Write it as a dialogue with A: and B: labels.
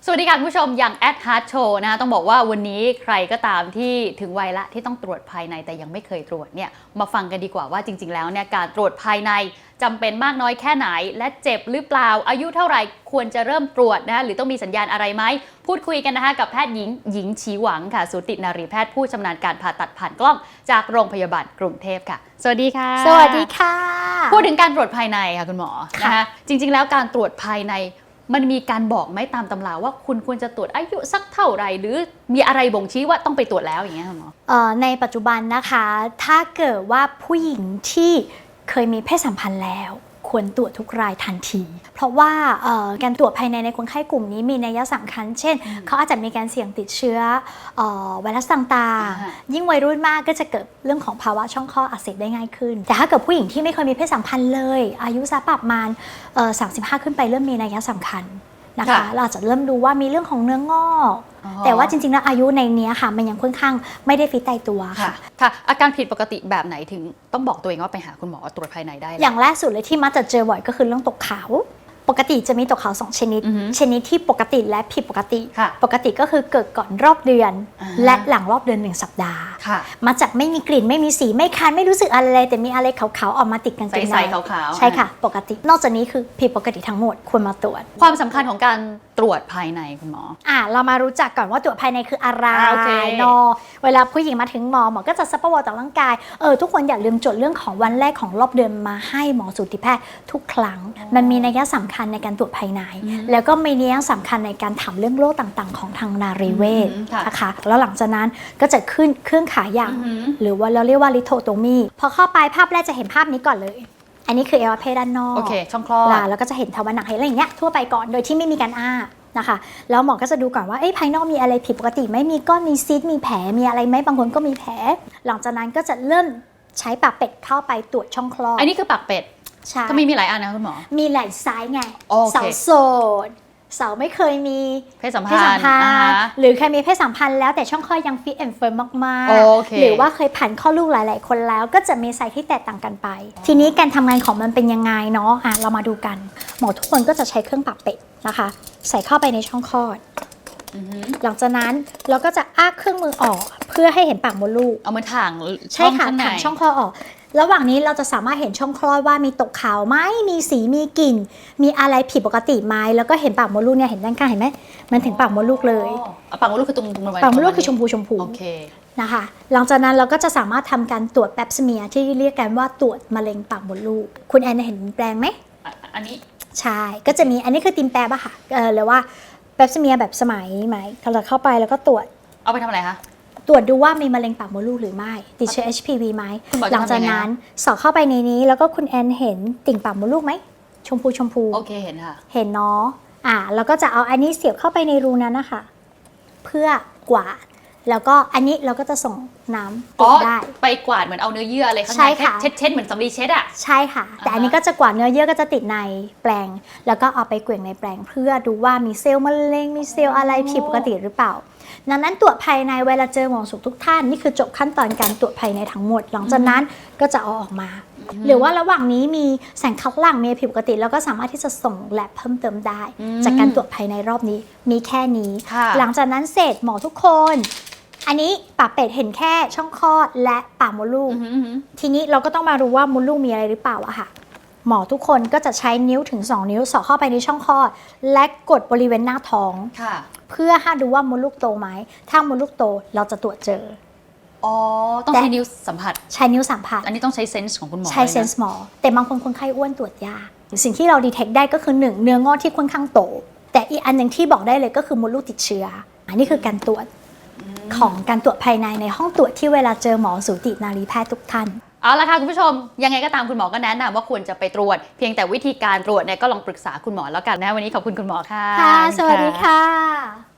A: สวัสดีค่ะคุณผู้ชมอย่างแอดฮาร์ดโชว์นะคะต้องบอกว่าวันนี้ใครก็ตามที่ถึงวัยละที่ต้องตรวจภายในแต่ยังไม่เคยตรวจเนี่ยมาฟังกันดีกว่าว่าจริงๆแล้วเนี่ยการตรวจภายในจำเป็นมากน้อยแค่ไหนและเจ็บหรือเปล่าอายุเท่าไหร่ควรจะเริ่มตรวจนะคะหรือต้องมีสัญญาณอะไรไหมพูดคุยกันนะคะกับแพทย์หญิงชีหวังค่ะสูตินารีแพทย์ผู้ชำนาญการผ่าตัดผ่านกล้องจากโรงพยาบาลกรุงเทพค่ะสวัสดีค่ะ
B: สวัสดีค่ะ
A: พูดถึงการตรวจภายในค่ะคุณหมอนะคะจริงๆแล้วการตรวจภายในมันมีการบอกไหมตามตำราว่าคุณควรจะตรวจอายุสักเท่าไหร่หรือมีอะไรบ่งชี้ว่าต้องไปตรวจแล้วอย่างเงี้ยค่ะหมอ
B: ในปัจจุบันนะคะถ้าเกิดว่าผู้หญิงที่เคยมีเพศสัมพันธ์แล้วควรตรวจทุกรายทันทีเพราะว่าการตรวจภายในคนไข้กลุ่มนี้มีนัยสำคัญเช่นเขาอาจจะมีการเสี่ยงติดเชื้อไวรัสต่างๆยิ่งวัยรุ่นมากก็จะเกิดเรื่องของภาวะช่องคลอดอักเสบได้ง่ายขึ้นแต่ถ้าเกิดผู้หญิงที่ไม่เคยมีเพศสัมพันธ์เลยอายุสักประมาณ35 ขึ้นไปเริ่มมีนัยสำคัญนะคะเราจะเริ่มดูว่ามีเรื่องของเนื้องอกแต่ว่าจริงๆแล้วอายุในนี้ค่ะมันยังค่อนข้างไม่ได้ฟิตตายตัว
A: ค่ะอาการผิดปกติแบบไหนถึงต้องบอกตัวเองว่าไปหาคุณหมอตรวจภายในได้
B: อย่างแรกสุดเลยที่มักจะเจอบ่อยก็คือเรื่องตกขาวปกติจะมีตกขาว2 ชนิดชนิดที่ปกติและผิดปกติปกติก็คือเกิดก่อนรอบเดือนและหลังรอบเดือน1 สัปดาห์มาจากไม่มีกลิ่นไม่มีสีไม่คันไม่รู้สึกอะไรแต่มีอะไรขาวๆออกมาติดกันเกงในใช่ค่ะปกตินอกจากนี้คือผิดปกติทั้งหมดควรมาตรวจ
A: ความสำคัญของการตรวจภายในคุณหมอ
B: เรามารู้จักก่อนว่าตรวจภายในคืออะไรเนาะเวลาผู้หญิงมาถึงหมอก็จะซักประวัติต่างร่างกายทุกคนอย่าลืมจดเรื่องของวันแรกของรอบเดือนมาให้หมอสูติแพทย์ทุกครั้งมันมีนัยสำคัญในการตรวจภายในแล้วก็มีนัยสำคัญในการถามเรื่องโรคต่างๆของทางนารีเวชนะคะแล้วหลังจากนั้นก็จะขึ้นเครื่องขายางหรือว่าเราเรียกว่าลิโทโตมีพอเข้าไปภาพแรกจะเห็นภาพนี้ก่อนเลยอันนี้คืออวัยวะเพศด้านนอก
A: โอเคช่องคลอด
B: แล้วก็จะเห็นทวารหนักเห็นอะไรอย่างเงี้ยทั่วไปก่อนโดยที่ไม่มีการอ้านะคะแล้วหมอก็จะดูก่อนว่าภายนอกมีอะไรผิดปกติไหมมีก้อนมีซีสมีแผลมีอะไรไหมบางคนก็มีแผลหลังจากนั้นก็จะเริ่มใช้ปากเป็ดเข้าไปตรวจช่องคลอด
A: อันนี้คือปากเป็ด
B: ใช่
A: ก็มีหลายอันนะคุณหมอ
B: มีหลายไซส์ไงสาวโสดสาวไม่เคยมี
A: เพศสัมพันธ์
B: หรือเคยมีเพศสัมพันธ์แล้วแต่ช่องคลอดยังฟิตแอนด์เฟิร์มมากๆหรือว่าเคยผ่านข้อลูกหลายๆคนแล้วก็จะมีไซส์ที่แตกต่างกันไปทีนี้การทำงานของมันเป็นยังไงเนาะเรามาดูกันหมอทุกคนก็จะใช้เครื่องปากเป็ดนะคะใส่เข้าไปในช่องคลอดหลังจากนั้นเราก็จะอ้าเครื่องมือออกเพื่อให้เห็นปากมดลูก
A: เอามาถ่าง
B: ใช่ค่ะถ่างช่องคลอดออกระหว่างนี้เราจะสามารถเห็นช่องคลอดว่ามีตกขาวไหมมีสีมีกลิ่นมีอะไรผิดปกติไหมแล้วก็เห็นปากมดลูกเนี่ยเห็นด้านข้างเห็นไหมมันถึงปากมดลูกเลย
A: ปากมดลูกคือตรง
B: ปากมดลูกคือชมพู
A: โอเค
B: นะคะหลังจากนั้นเราก็จะสามารถทำการตรวจแปปสเมียที่เรียกกันว่าตรวจมะเร็งปากมดลูกคุณแอนเห็นแปลงไหม
A: อันนี้
B: ใช่ก็จะมีอันนี้คือติมแปบอะค่ะหรือว่าแปปสเมียแบบสมัยใหม่เราเข้าไปแล้วก็ตรวจ
A: เอาไปทำอะไรคะ
B: ตรวจดูว่ามีมะเร็งปากมดลูกหรือไม่ติดเชื้อ HPV ไหมหลังจากนั้นสอดเข้าไปในนี้แล้วก็คุณแอนเห็นติ่งปากมดลูกไหมชมพู
A: โอเคเห็นค่ะ
B: เห็นเนาะแล้วก็จะเอาอันนี้เสียบเข้าไปในรูนั้นนะคะเพื่อกวาดแล้วก็อันนี้เราก็จะส่งน้ำติดได้
A: ไปกวาดเหมือนเอาเนื้อเยื่ออะไรข้างในเช็ดเหมือนสำลีเช็ดอะ
B: ใช่ค่ะแต่อันนี้ก็จะกวาดเนื้อเยื่อก็จะติดในแปลงแล้วก็เอาไปเกลี่ยในแปลงเพื่อดูว่ามีเซลล์มะเร็งมีเซลล์อะไรผิดปกติหรือเปล่าดังนั้นตรวจภายในเวลาเจอหมอสูทุกท่านนี่คือจบขั้นตอนการตรวจภายในทั้งหมดหลังจากนั้นก็จะเอาออกมาหรือว่าระหว่างนี้มีแสงคัดหลั่งมีผิดปกติแล้วก็สามารถที่จะส่งแลบเพิ่มเติมได้จากการตรวจภายในรอบนี้มีแค่นี้หลังจากนั้นเสร็จหมอทุกคนอันนี้ปากเป็ดเห็นแค่ช่องคลอดและปากมดลูกทีนี้เราก็ต้องมารู้ว่ามดลูกมีอะไรหรือเปล่าอะค่ะหมอทุกคนก็จะใช้นิ้วถึง2 นิ้วสอดเข้าไปในช่องคลอดและกดบริเวณหน้าท้องเพื่อให้ดูว่ามดลูกโตไหมถ้ามดลูกโตเราจะตรวจเจอ
A: ต้องใช้นิ้วสัมผัส
B: ใช้นิ้วสัมผัส
A: อันนี้ต้องใช้เซนส์ของคุณหมอ
B: ใช้เซนส์หมอแต่บางคนไข้อ้วนตรวจยากสิ่งที่เราดีเทคได้ก็คือ1เนื้องอกที่ค่อนข้างโตแต่อีกอันหนึ่งที่บอกได้เลยก็คือมดลูกติดเชื้ออันนี้คือการตรวจของการตรวจภายในห้องตรวจที่เวลาเจอหมอสูตินารีแพทย์ทุกท่าน
A: เอาละค่ะคุณผู้ชมยังไงก็ตามคุณหมอก็แนะนำว่าควรจะไปตรวจเพียงแต่วิธีการตรวจเนี่ยก็ลองปรึกษาคุณหมอแล้วกันนะวันนี้ขอบคุณคุณหมอค่ะ
B: ค่ะสวัสดีค่ะ